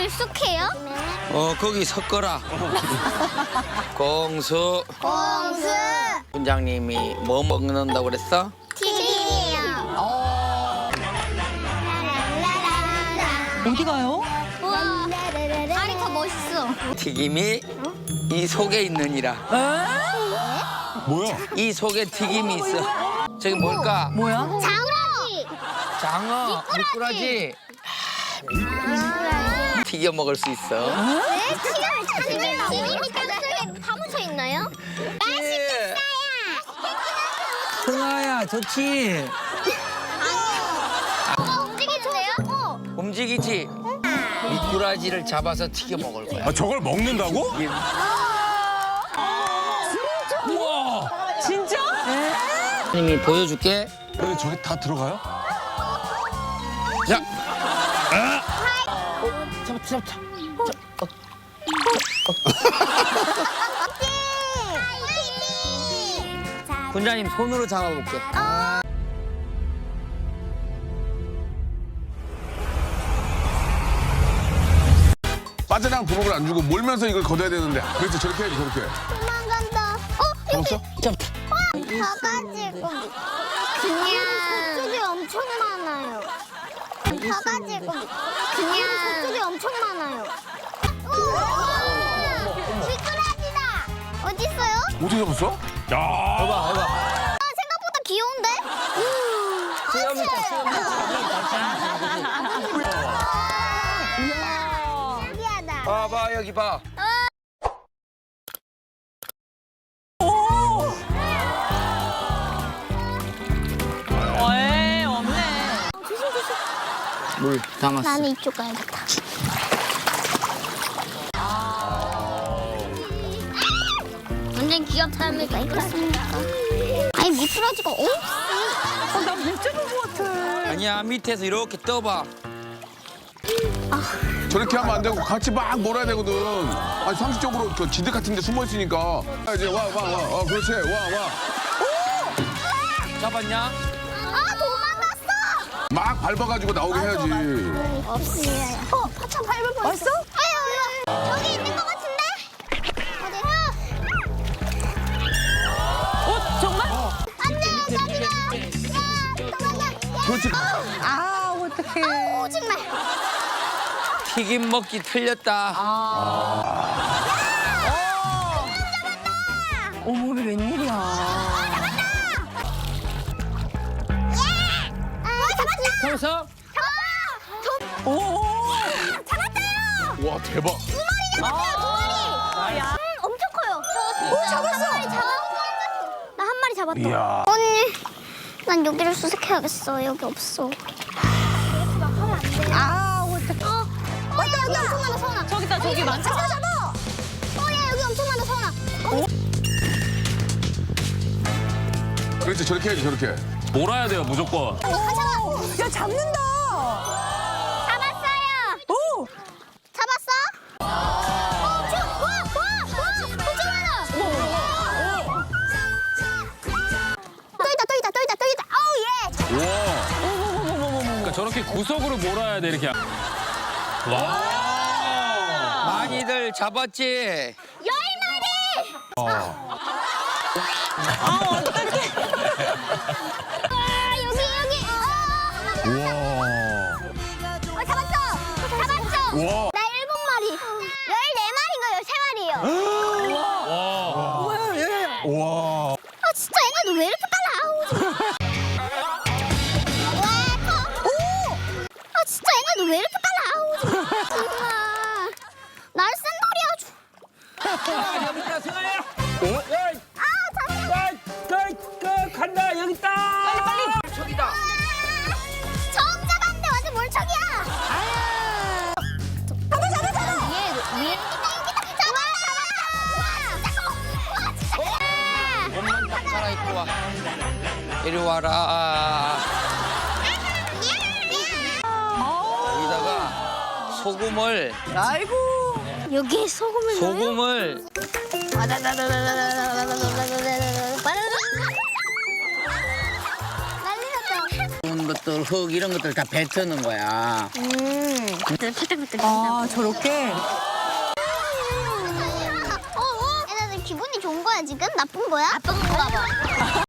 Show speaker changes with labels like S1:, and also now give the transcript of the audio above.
S1: 익숙해요?
S2: 거기 섞어라. 공수.
S1: 공수.
S2: 분장님이 뭐 먹는다고 그랬어?
S1: 튀김이요.
S3: 어디 가요?
S1: 우와, 다리 더 멋있어.
S2: 튀김이 이 속에 있느니라.
S4: 뭐야?
S2: 이 속에 튀김이 있어. 저기 뭘까?
S3: 뭐야?
S1: 장우라지.
S2: 장어, 미꾸라지. 튀겨 먹을 수 있어.
S1: 네, 튀김이 땅속에 파묻혀 있나요?
S2: 승아야, 좋지?
S1: 움직이는데요?
S2: 움직이지? 미꾸라지를 잡아서 튀겨 먹을 거야.
S4: 아, 저걸 먹는다고?
S3: 우와! 진짜?
S2: 님이 보여줄게.
S4: 근데 저게 다 들어가요?
S2: 자. 잡았다. 군장님 손으로 잡아볼게.
S4: 빠져나간 구멍을 안 주고 몰면서 이걸 걷어야 되는데. 그렇지, 저렇게 해야지, 저렇게.
S1: 도망간다.
S4: 잡았어?
S2: 잡았다.
S1: 가가지고 그냥 저쪽에 엄청 많아요. 가가지고 그냥 저쪽에 엄청 많아요. 미꾸라지다. 어디 있어요?
S4: 어떻게 잡았어? 야.
S2: 해봐.
S1: 생각보다 귀여운데? 신기하다.
S2: 봐봐, 여기 봐.
S3: 에이, 없네.
S2: 물 담았어.
S1: 나는 이쪽 가야겠다. 완전 귀엽다면서 있겠습니까? 아니 미꾸라지가 없어.
S3: 나 진짜 볼것 같아.
S2: 아니야, 밑에서 이렇게 떠봐.
S4: 저렇게 하면 안 되고 같이 막 놀아야 되거든. 아니, 상식적으로 그 지드 같은 데 숨어 있으니까. 이제 와. 그렇지, 와.
S2: 잡았냐?
S1: 아 도망갔어.
S4: 막 밟아가지고 나오게 해야지.
S1: 없어요. 파참 밟을 뻔했어. 아유, 저기 있는 것 같은데? 어디?
S3: 정말?
S1: 안돼, 저기다. 야, 도망가.
S4: 그렇지.
S3: 아, 어떡해.
S1: 오, 정말.
S2: 튀김 먹기 틀렸다.
S3: 어머, 이게 웬일이야.
S1: 잡았다.
S2: 잡았어?
S3: 오!
S1: 잡았어요.
S4: 와, 대박.
S1: 엄청 커요. 잡았어. 나 한 마리 잡았다.
S4: 이야.
S1: 언니, 난 여기를 수색해야겠어. 여기 없어.
S3: 아, 어떡해.
S1: 맞다, 여기 엄청 많아, 서원아.
S3: 저기다, 저기 많다.
S1: 잡아. 야, 여기 엄청 많아, 서원아.
S4: 그렇지, 저렇게 해야지, 저렇게.
S5: 몰아야 돼요, 무조건.
S3: 야, 잡는다.
S1: 잡았어요.
S3: 오!
S1: 잡았어? 엄청 많아. 또 있다. 어우, 예.
S4: 와.
S5: 그러니까 저렇게 구석으로 몰아야 돼, 이렇게.
S2: 많이들 잡았지?
S1: 10마리. 여기.
S4: 와.
S1: 잡았어.
S4: 와.
S1: 나 7마리. 14마리인가요? 3마리요.
S4: 와.
S1: 아, 진짜 얘네들 왜 이렇게 빨라? 아우, 와, 커. 오! 아, 진짜 얘네들 왜 이렇게 빨라? 아우, 정말. 날 센돌이 아주.
S2: 여기다, 승아야.
S1: 아, 잠깐만.
S2: 간다, 여기 있다. 빨리. 저기다.
S1: 처음 잡았는데 완전 몰척이야. 잡아. 위에. 잡았다.
S2: 옷만 딱 갈아입고 와. 이리 와라. 여기다가 소금을
S3: 아이고.
S1: 여기에 소금을 넣어요?
S2: 소금을
S1: 난리 났다.
S6: 것들, 흙 이런 것들 다 뱉어놓은 거야.
S3: 아, 저렇게?
S1: 얘네들 기분이 좋은 거야 지금? 나쁜 거야? 나쁜 거야 봐.